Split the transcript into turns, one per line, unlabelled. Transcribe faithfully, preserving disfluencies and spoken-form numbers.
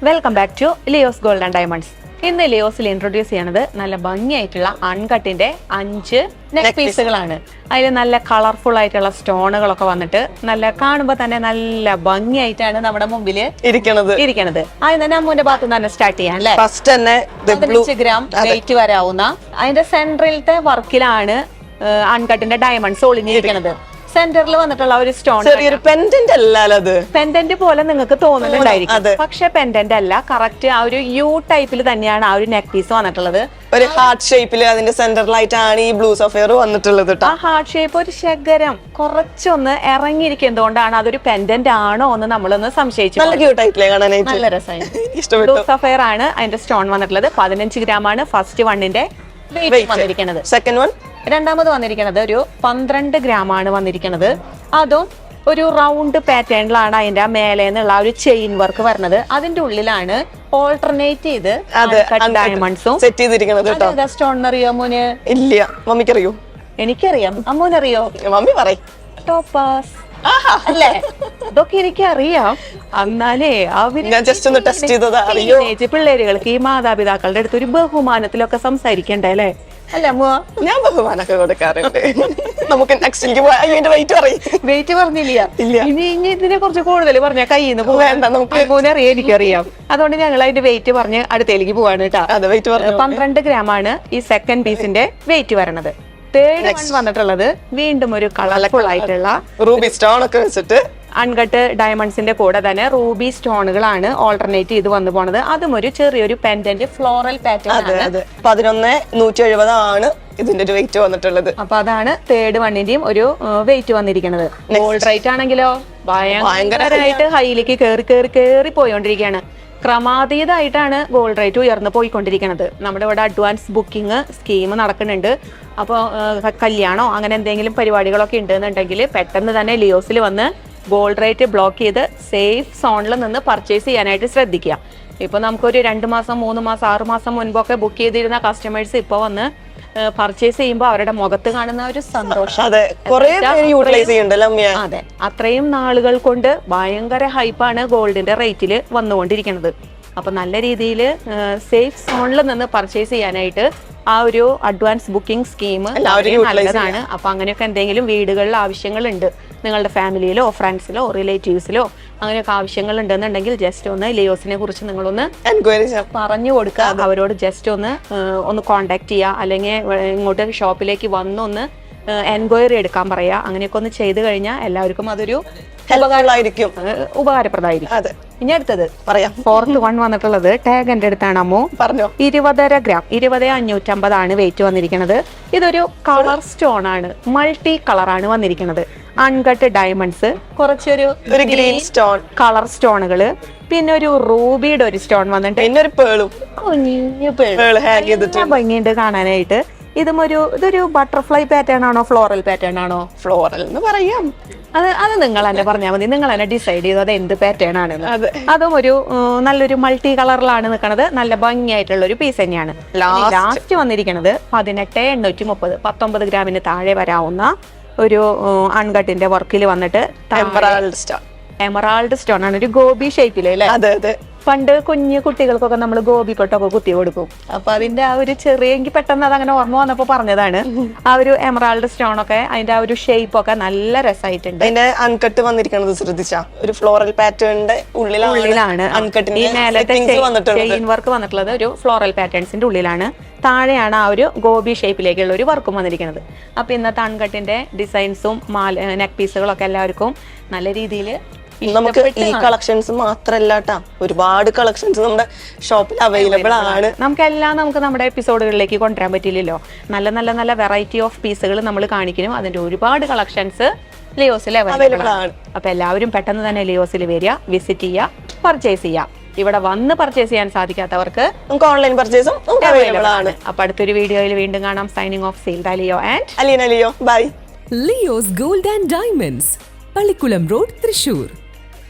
Welcome back to Leo's gold and diamonds. ഇന്ന് ലിയോസിൽ introduce ചെയ്യണത് നല്ല ഭംഗിയായിട്ടുള്ള അൺകട്ടിന്റെ അഞ്ച് നെക്ക് പീസുകളാണ്. അതിൽ നല്ല കളർഫുൾ ആയിട്ടുള്ള സ്റ്റോണുകളൊക്കെ വന്നിട്ട് നല്ല കാണുമ്പോൾ തന്നെ നല്ല ഭംഗിയായിട്ടാണ് നമ്മുടെ മുമ്പിൽ ഇരിക്കണത് ഇരിക്കണത് അതിന് തന്നെ അമ്മൂന്റെ ഭാഗത്ത് തന്നെ സ്റ്റാർട്ട് ചെയ്യാം അല്ലെ.
ഫസ്റ്റ് തന്നെ
പതിനഞ്ച് ഗ്രാം വെയിറ്റ് വരാവുന്ന അതിന്റെ സെൻട്രലിലത്തെ വർക്കിലാണ് അൺകട്ടിന്റെ ഡയമണ്ട്സ് ഒളിഞ്ഞിരിക്കണത്. സെന്ററിൽ വന്നിട്ടുള്ള ഒരു സ്റ്റോൺ
ചെറിയൊരു പെൻഡന്റ് അല്ലല്ലോ, അത്
പെൻഡന്റ് പോലെ നിങ്ങൾക്ക് തോന്നുന്നുണ്ടായിരിക്കും, പക്ഷെ പെൻഡന്റ് അല്ല. കറക്റ്റ് ആ ഒരു യു ടൈപ്പിൽ തന്നെയാണ് ആ ഒരു നെക്ക് പീസ് വന്നിട്ടുള്ളത്.
ഒരു ഹാർട്ട് ഷേപ്പിൽ അതിന്റെ സെന്ററിലായിട്ടാണ് ഈ ബ്ലൂ സഫയർ വന്നിട്ടുള്ളത്.
ആ ഹാർട്ട് ഷേപ്പ് ഒരു ശകരം കുറച്ചൊന്ന് ഇറങ്ങിയിരിക്കുന്നതുകൊണ്ടാണ് അതൊരു പെൻഡന്റ് ആണോ എന്ന് നമ്മളൊന്ന് സംശയിച്ചു.
നല്ല ക്യൂട്ടായിട്ടില്ലേ കാണാനായിട്ട്,
നല്ല രസമായി. ബ്ലൂ സഫയർ ആണ് അതിന്റെ സ്റ്റോൺ വന്നിട്ടുള്ളത്. പതിനഞ്ച് ഗ്രാം ആണ് ഫസ്റ്റ് വണ്ണിന്റെ വെയിറ്റ് വന്നിരിക്കുന്നത്.
സെക്കൻഡ് വൺ
രണ്ടാമത് വന്നിരിക്കുന്നത് ഒരു പന്ത്രണ്ട് ഗ്രാം ആണ് വന്നിരിക്കുന്നത്. അതും ഒരു റൗണ്ട് പാറ്റേണിലാണ് അതിന്റെ ആ മേലെ നിന്നുള്ള ഒരു ചെയിൻ വർക്ക് വരുന്നത്. അതിന്റെ ഉള്ളിലാണ് ഓൾട്ടർനേറ്റ് ചെയ്ത് ഡയമണ്ട്സും
സെറ്റ് ചെയ്തിരിക്കുന്നത്.
സ്റ്റോൺ അറിയോ അമ്മൂന്?
ഇല്ല, മമ്മിക്കറിയോ?
എനിക്കറിയാം. അമ്മൂനറിയോ?
മമ്മി പറയും.
ടോപ്പാസ് അല്ലേ? ഇതൊക്കെ എനിക്കറിയാം. എന്നാലേ അവര്
ഞാൻ ജസ്റ്റ് ഒന്ന് ടെസ്റ്റ് ചെയ്തതാ. അറിയോ,
പിള്ളേരുകൾക്ക് ഈ മാതാപിതാക്കളുടെ അടുത്ത് ഒരു ബഹുമാനത്തിലൊക്കെ സംസാരിക്കണ്ടേ അല്ലേ? അല്ല അമ്മ,
ഞാൻ ബഹുമാനൊക്കെ കൊടുക്കാറുണ്ട്. നമുക്ക് നെക്സ്റ്റിലേക്ക് പോയാൽ വെയിറ്റ് പറയും.
വെയിറ്റ് പറഞ്ഞില്ല. ഇനി ഇനി ഇതിനെ കുറിച്ച് കൂടുതൽ പറഞ്ഞാൽ കയ്യിൽ നിന്ന്
വേണ്ട, നമുക്ക്
അറിയാം, എനിക്കറിയാം. അതുകൊണ്ട് ഞങ്ങൾ അതിന്റെ വെയിറ്റ് പറഞ്ഞ് അടുത്തേക്ക് പോവാണ് കേട്ടോ. പന്ത്രണ്ട് ഗ്രാം ആണ് ഈ സെക്കൻഡ് പീസിന്റെ വെയിറ്റ് വരണത്. തേർഡ് വൺ വന്നിട്ടുള്ളത് വീണ്ടും ഒരു കളർഫുൾ ആയിട്ടുള്ള
റൂബി സ്റ്റോൺ ഒക്കെ വെച്ചിട്ട്
അൺകട്ട് ഡയമണ്ട്സിന്റെ കൂടെ തന്നെ റൂബി സ്റ്റോണുകളാണ് ഓൾട്ടർനേറ്റ് ചെയ്ത് വന്നു പോണത്. അതും ഒരു ചെറിയൊരു പെൻഡന്റ് ഫ്ലോറൽ പാറ്റേൺ.
പതിനൊന്ന് നൂറ്റി എഴുപതാണ് ഇതിന്റെ ഒരു വെയിറ്റ് വന്നിട്ടുള്ളത്.
അപ്പൊ അതാണ് തേർഡ് വണ്ണിന്റെയും ഒരു വെയിറ്റ് വന്നിരിക്കുന്നത്. ഗോൾഡ് റേറ്റ് ആണെങ്കിലോ ഭയങ്കരമായിട്ട് ഹൈയിലേക്ക് കയറി കയറി കയറി പോയോണ്ടിരിക്കുകയാണ്. ക്രമാതീതമായിട്ടാണ് ഗോൾഡ് റേറ്റ് ഉയർന്നു പോയിക്കൊണ്ടിരിക്കുന്നത്. നമ്മുടെ ഇവിടെ അഡ്വാൻസ് ബുക്കിംഗ് സ്കീം നടക്കുന്നുണ്ട്. അപ്പോൾ കല്യാണോ അങ്ങനെ എന്തെങ്കിലും പരിപാടികളൊക്കെ ഉണ്ടെന്നുണ്ടെങ്കിൽ പെട്ടെന്ന് തന്നെ ലിയോസിൽ വന്ന് ഗോൾഡ് റേറ്റ് ബ്ലോക്ക് ചെയ്ത് സേഫ് സോണിൽ നിന്ന് പർച്ചേസ് ചെയ്യാനായിട്ട് ശ്രദ്ധിക്കുക. ഇപ്പൊ നമുക്കൊരു രണ്ട് മാസം മൂന്ന് മാസം ആറ് മാസം മുൻപൊക്കെ ബുക്ക് ചെയ്തിരുന്ന കസ്റ്റമേഴ്സ് ഇപ്പൊ വന്ന് പർച്ചേസ് ചെയ്യുമ്പോൾ അവരുടെ മുഖത്ത് കാണുന്ന ഒരു സന്തോഷം, അതെ, അത്രയും നാളുകൾ കൊണ്ട് ഭയങ്കര ഹൈപ്പാണ് ഗോൾഡിന്റെ റേറ്റിൽ വന്നുകൊണ്ടിരിക്കുന്നത്. അപ്പൊ നല്ല രീതിയിൽ സേഫ് സോണിൽ നിന്ന് പർച്ചേസ് ചെയ്യാനായിട്ട് ആ ഒരു അഡ്വാൻസ് ബുക്കിംഗ് സ്കീം നല്ലതാണ്. അപ്പൊ അങ്ങനെയൊക്കെ എന്തെങ്കിലും വീടുകളിൽ ആവശ്യങ്ങളുണ്ട്, നിങ്ങളുടെ ഫാമിലിയിലോ ഫ്രണ്ട്സിലോ റിലേറ്റീവ്സിലോ അങ്ങനെയൊക്കെ ആവശ്യങ്ങൾ ഉണ്ടെന്നുണ്ടെങ്കിൽ ജസ്റ്റ് ഒന്ന് ലിയോസിനെ കുറിച്ച് നിങ്ങളൊന്ന് എൻക്വയറി പറഞ്ഞു കൊടുക്കുക. അവരോട് ജസ്റ്റ് ഒന്ന് ഒന്ന് കോണ്ടാക്ട് ചെയ്യുക, അല്ലെങ്കിൽ ഇങ്ങോട്ട് ഷോപ്പിലേക്ക് വന്നൊന്ന് എൻക്വയറി എടുക്കാൻ പറയാ. അങ്ങനെയൊക്കെ ഒന്ന് ചെയ്തു കഴിഞ്ഞാൽ എല്ലാവർക്കും അതൊരു
ഉപകാരമായിരിക്കും,
ഉപകാരപ്രദമായിരിക്കും. ഇനി അടുത്തത് പറയാം. ഫോർത്ത് വൺ വന്നിട്ടുള്ളത് ടാഗ് എന്റെ അടുത്താണ് അമ്മു.
പറഞ്ഞോ.
ഇരുപതര ഗ്രാം ഇരുപത് അഞ്ഞൂറ്റമ്പതാണ് വെയിറ്റ് വന്നിരിക്കുന്നത്. ഇതൊരു കളർ സ്റ്റോൺ ആണ്, മൾട്ടി കളറാണ് വന്നിരിക്കുന്നത്. അൺകട്ട് ഡയമണ്ട്സ്, കുറച്ചൊരു
ഗ്രീൻ സ്റ്റോൺ
കളർ സ്റ്റോണുകള്, പിന്നെ ഒരു റൂബിയുടെ ഒരു സ്റ്റോൺ വന്നിട്ട്
പിന്നെ ഒരു പേളും
കുഞ്ഞു പേള് ഭംഗിയുണ്ട് കാണാനായിട്ട്. ഇതും ഒരു ഇതൊരു ബട്ടർഫ്ലൈ പാറ്റേൺ ആണോ ഫ്ലോറൽ പാറ്റേൺ ആണോ?
ഫ്ലോറൽ എന്ന് പറയാം.
അത് അത് നിങ്ങൾ തന്നെ പറഞ്ഞാൽ മതി. നിങ്ങൾ തന്നെ ഡിസൈഡ് ചെയ്തു അത് എന്ത് പാറ്റേൺ ആണെന്ന്. അതും ഒരു നല്ലൊരു മൾട്ടി കളറിലാണ് നിൽക്കുന്നത്. നല്ല ഭംഗിയായിട്ടുള്ള ഒരു പീസ് തന്നെയാണ്. ലാസ്റ്റ് വന്നിരിക്കുന്നത് പതിനെട്ട് എണ്ണൂറ്റി മുപ്പത് പത്തൊമ്പത് ഗ്രാമിന് താഴെ വരാവുന്ന ഒരു അൺകട്ടിന്റെ വർക്കിൽ വന്നിട്ട്
എമറാൾഡ് സ്റ്റോൺ
എമറാൾഡ് സ്റ്റോൺ ആണ്, ഒരു ഗോപി ഷേപ്പില് അല്ലേ?
അതെ അതെ.
പണ്ട് കുഞ്ഞു കുട്ടികൾക്കൊക്കെ നമ്മൾ ഗോപി പൊട്ടൊക്കെ കുത്തി കൊടുക്കും. അപ്പൊ അതിന്റെ ആ ഒരു ചെറിയ, എനിക്ക് പെട്ടെന്ന് അതങ്ങനെ ഓർമ്മ വന്നപ്പോ പറഞ്ഞതാണ്. ആ ഒരു എമറാൾഡ് സ്റ്റോൺ ഒക്കെ അതിന്റെ ആ ഒരു ഷേപ്പ് ഒക്കെ നല്ല രസമായിട്ടുണ്ട്.
അതിന്റെ അൺകട്ട് വന്നിരിക്കുന്നത് ശ്രദ്ധിച്ചാ, ഒരു ഫ്ലോറൽ പാറ്റേണിന്റെ ഉള്ളിലാണ്
ഈ മേലത്തെ ചെയിൻ വർക്ക് വന്നിട്ടുള്ളത് ഒരു ഫ്ലോറൽ പാറ്റേൺസിന്റെ ഉള്ളിലാണ്. താഴെയാണ് ആ ഒരു ഗോപി ഷേപ്പിലേക്കുള്ള ഒരു വർക്കും വന്നിരിക്കുന്നത്. അപ്പൊ ഇന്നത്തെ അൺകട്ടിന്റെ ഡിസൈൻസും മാല നെക്ക് പീസുകളൊക്കെ എല്ലാവർക്കും നല്ല രീതിയിൽ
നമുക്ക് ഈ കളക്ഷൻസ് മാത്രല്ല ട്ടാ, ഒരുപാട് കളക്ഷൻസ് നമ്മുടെ ഷോപ്പിൽ അവൈലബിൾ ആണ്.
നമുക്കെല്ലാം നമുക്ക് നമ്മുടെ എപ്പിസോഡുകളിലേക്ക് കൊണ്ടുവരാൻ പറ്റില്ലല്ലോ. നല്ല നല്ല നല്ല വെറൈറ്റി ഓഫ് പീസുകൾ നമ്മൾ കാണിക്കണം. അതിന്റെ ഒരുപാട് കളക്ഷൻസ് ലിയോസിൽ അവൈലബിൾ ആണ്. അപ്പൊ എല്ലാവരും പെട്ടെന്ന് തന്നെ ലിയോസിൽ വരിക, വിസിറ്റ് ചെയ്യുക, പർച്ചേസ് ചെയ്യുക. ഇവിടെ വന്ന് പർച്ചേസ് ചെയ്യാൻ സാധിക്കാത്തവർക്ക്
നമുക്ക് ഓൺലൈൻ പർച്ചേസും അവൈലബിൾ ആണ്.
അപ്പൊ അടുത്തൊരു വീഡിയോയിൽ വീണ്ടും കാണാം. സൈനിങ് ഓഫ് സീൽഡ Leo and
Aleena Leo. Bye.
Leo's gold and diamonds, Pallikulam road, Thrissur.